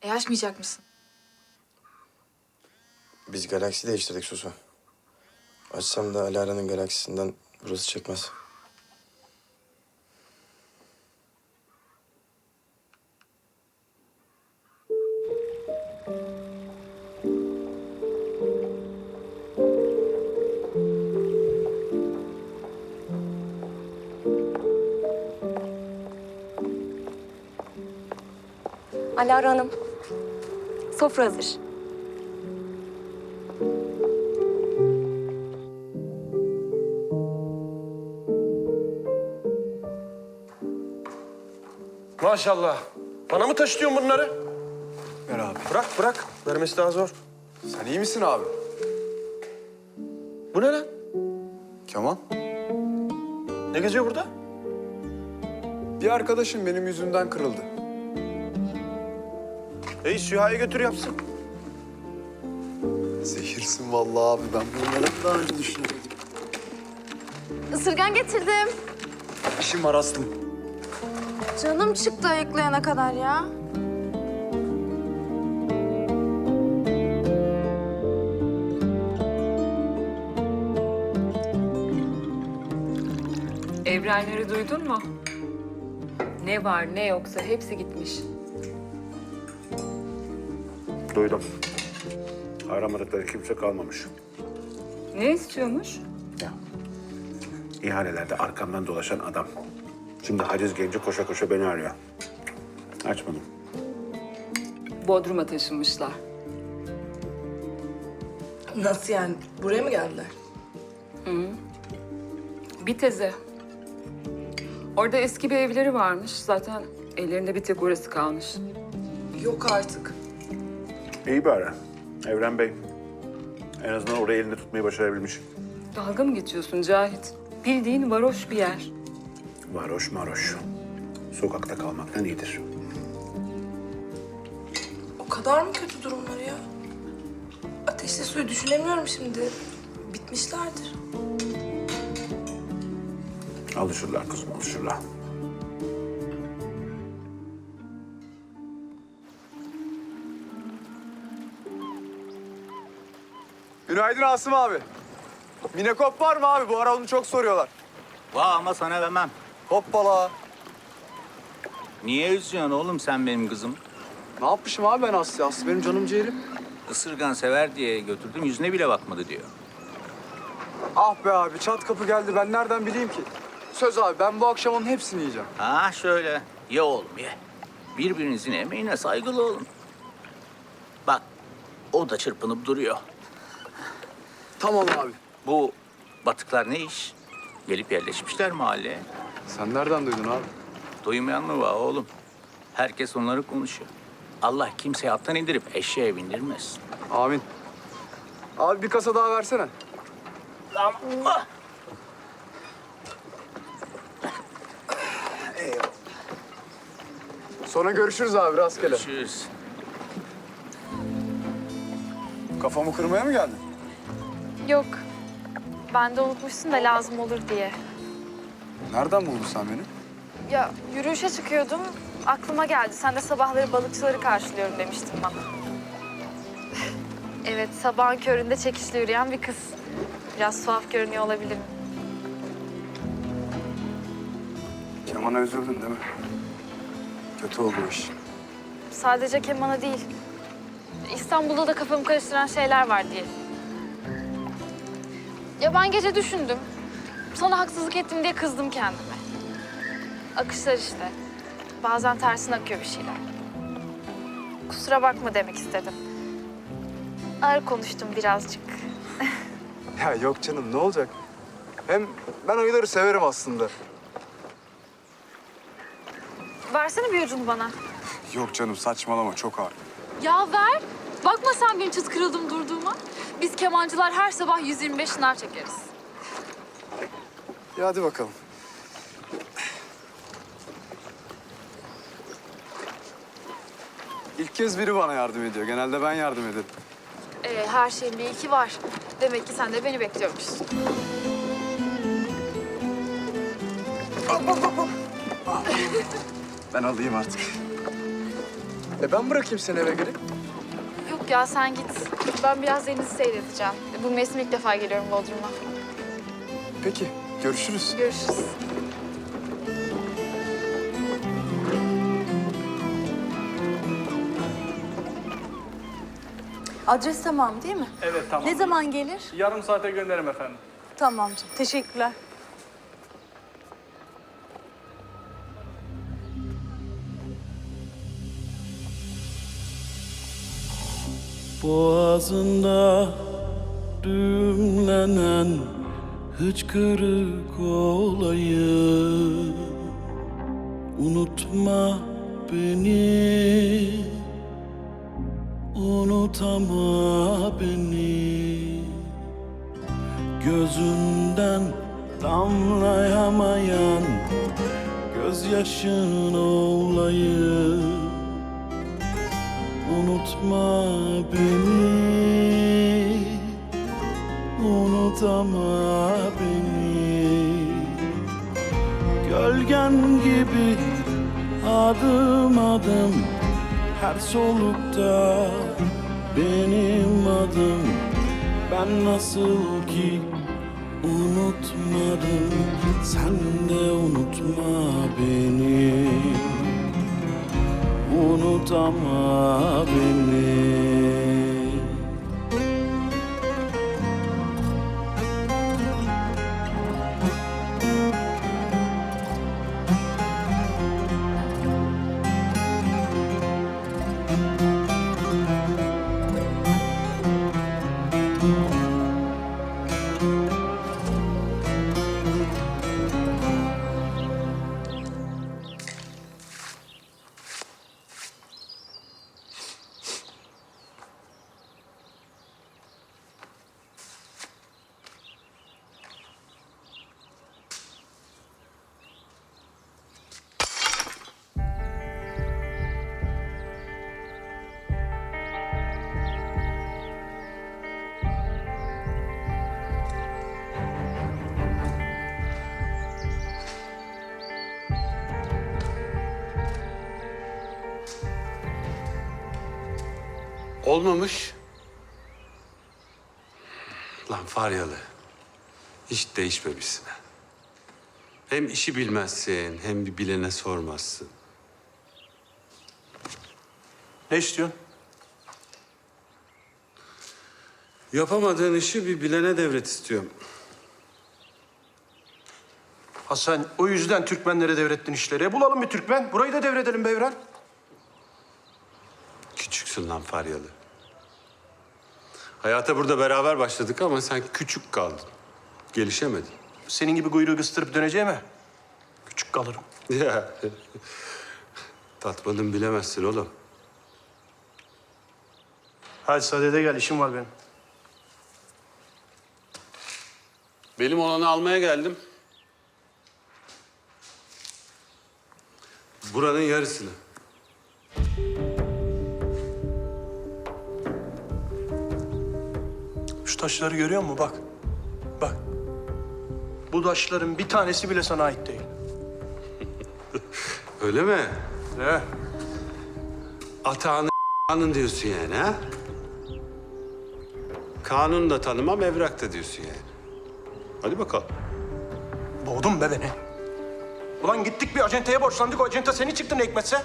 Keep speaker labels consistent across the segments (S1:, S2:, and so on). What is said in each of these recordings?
S1: Açmayacak mısın?
S2: Biz galaksi değiştirdik Susu. Açsam da Alara'nın galaksisinden burası çekmez.
S3: Alara Hanım, sofra hazır.
S4: Maşallah. Bana mı taşıtıyorsun bunları?
S5: Ver abi.
S4: Bırak. Vermesi daha zor.
S5: Sen iyi misin abi?
S4: Bu ne lan?
S5: Kemal.
S4: Ne geziyor burada?
S5: Bir arkadaşım benim yüzümden kırıldı.
S4: Süha'ya götür yapsın.
S5: Zehirsin vallahi abi. Ben bunları daha önce düşünüyordum.
S1: Isırgan getirdim.
S5: İşim var Aslım.
S1: Canım çıktı ayıklayana kadar ya.
S6: Evrenleri duydun mu? Ne var ne yoksa hepsi gitmiş.
S7: Duydum. Aramadıkları kimse kalmamış.
S6: Ne istiyormuş?
S7: Ya. İhalelerde arkamdan dolaşan adam. Şimdi haciz gelince koşa koşa beni arıyor. Açmadım.
S6: Bodrum'a taşınmışlar.
S8: Nasıl yani? Buraya mı geldiler?
S6: Bir teze. Orada eski bir evleri varmış. Zaten ellerinde bir tek orası kalmış.
S8: Yok artık.
S7: İyi bari. Evren Bey. En azından orayı elinde tutmayı başarabilmiş.
S6: Dalga mı geçiyorsun Cahit? Bildiğin varoş bir yer.
S7: Varoş maroş. Sokakta kalmaktan iyidir.
S8: O kadar mı kötü durumları ya? Ateşli suyu düşünemiyorum şimdi. Bitmişlerdir.
S7: Alışırlar kızım, alışırlar.
S5: Günaydın Asım abi. Minekop var mı abi? Bu ara onu çok soruyorlar.
S9: Vah ama sana vermem.
S5: Hoppala.
S9: Niye üzüyorsun oğlum sen benim kızım?
S5: Ne yapmışım abi ben Aslı? Aslı benim canım ciğerim.
S9: Isırgan sever diye götürdüm yüzüne bile bakmadı diyor.
S5: Ah be abi çat kapı geldi. Ben nereden bileyim ki? Söz abi ben bu akşam onun hepsini yiyeceğim.
S9: Ha şöyle ye oğlum ye. Birbirinizin emeğine saygılı olun. Bak o da çırpınıp duruyor.
S5: Tamam abi.
S9: Bu batıklar ne iş? Gelip yerleşmişler mahalleye.
S5: Sen nereden duydun abi?
S9: Duymayan mı var oğlum? Herkes onları konuşuyor. Allah kimseyi attan indirip eşeğe bindirmez.
S5: Amin. Abi bir kasa daha versene.
S9: Allah!
S5: Sonra görüşürüz abi rastgele.
S9: Görüşürüz.
S5: Kafamı kırmaya mı geldin?
S1: Yok. Ben de unutmuşsun da lazım olur diye.
S5: Nereden buldun sen beni?
S1: Ya yürüyüşe çıkıyordum. Aklıma geldi. Sen de sabahları balıkçıları karşılıyorum demiştin bana. Evet, sabahın köründe çekişle yürüyen bir kız. Biraz tuhaf görünüyor olabilirim.
S5: Keman'a üzüldün değil mi? Kötü oldu o iş.
S1: Sadece kemana değil. İstanbul'da da kafamı karıştıran şeyler var diye. Ya ben gece düşündüm. Sana haksızlık ettim diye kızdım kendime. Akışlar işte. Bazen tersine akıyor bir şeyler. Kusura bakma demek istedim. Ağır konuştum birazcık.
S5: Ya yok canım ne olacak? Hem ben ayıları severim aslında.
S1: Versene bir ucunu bana.
S5: Yok canım saçmalama çok ağır.
S1: Ya ver. Bakma sen benim çıt kırıldım durduğuma. Biz kemancılar her sabah 125 şınav çekeriz.
S5: Ya hadi bakalım. İlk kez biri bana yardım ediyor. Genelde ben yardım ederim.
S1: Her şeyin bir ilki var. Demek ki sen de beni bekliyormuşsun.
S5: Ben alayım artık. Ben bırakayım seni eve geri.
S1: Yok ya sen git. Ben biraz denizi seyredeceğim. Bu mevsim ilk defa geliyorum Bodrum'a.
S5: Peki, görüşürüz.
S1: Görüşürüz.
S10: Adres tamam değil mi?
S11: Evet tamam.
S10: Ne zaman gelir?
S11: Yarım saate gönderirim efendim.
S10: Tamam canım. Teşekkürler.
S12: Boğazında düğümlenen hıçkırık olayı, unutma beni, unutama beni. Gözünden damlayamayan gözyaşın olayı, unutma beni, unutama beni. Gölgen gibi adım adım her solukta benim adım. Ben nasıl ki unutmadım, sen de unutma beni, unutama beni.
S13: Olmamış. Lan Faryalı, hiç değişmemişsin ha. Hem işi bilmezsin, hem bir bilene sormazsın.
S4: Ne istiyorsun?
S13: Yapamadığın işi bir bilene devret istiyorum.
S4: Ha sen o yüzden Türkmenlere devrettin işleri. Bulalım bir Türkmen. Burayı da devredelim be Evren.
S13: Küçüksün lan Faryalı. Hayata burada beraber başladık ama sen küçük kaldın. Gelişemedin.
S4: Senin gibi kuyruğu kıstırıp döneceğime küçük kalırım.
S13: Ya. Tatmadın bilemezsin oğlum.
S4: Hadi sadede gel, işim var benim.
S13: Benim olanı almaya geldim. Buranın yarısını.
S4: Şu taşları görüyor musun? Bak. Bak. Bu taşların bir tanesi bile sana ait değil.
S13: Öyle mi?
S4: Ne?
S13: Atağını kanun diyorsun yani ha? Kanun da tanımam, evrak da diyorsun yani. Hadi bakalım.
S4: Boğdun be beni. Ulan gittik bir acenteye borçlandık. O acente seni çıktı ne hikmetse.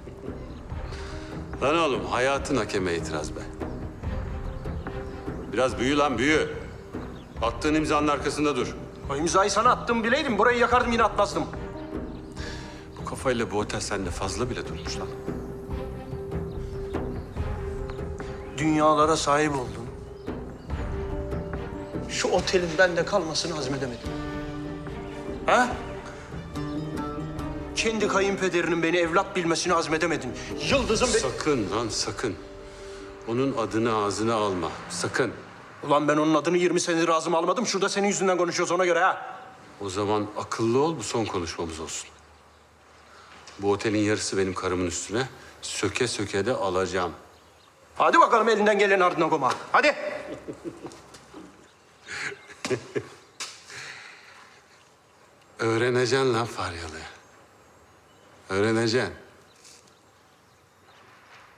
S13: Lan oğlum, hayatın hakeme itiraz be. Biraz büyü lan, büyü. Attığın imzanın arkasında dur.
S4: O imzayı sana attım bileydim. Burayı yakardım yine atmazdım.
S13: Bu kafayla bu otel sende fazla bile durmuş lan.
S4: Dünyalara sahip oldum. Şu otelin bende kalmasını hazmedemedim. Ha? Kendi kayınpederinin beni evlat bilmesini hazmedemedin. Yıldız'ın
S13: Sakın lan, sakın. Onun adını ağzına alma, sakın.
S4: Ulan ben onun adını 20 senedir ağzıma almadım. Şurada senin yüzünden konuşuyoruz ona göre ha.
S13: O zaman akıllı ol, bu son konuşmamız olsun. Bu otelin yarısı benim karımın üstüne. Söke söke de alacağım.
S4: Hadi bakalım elinden gelen ardına koma. Hadi.
S13: Öğreneceksin lan Faryalı. Öğreneceksin.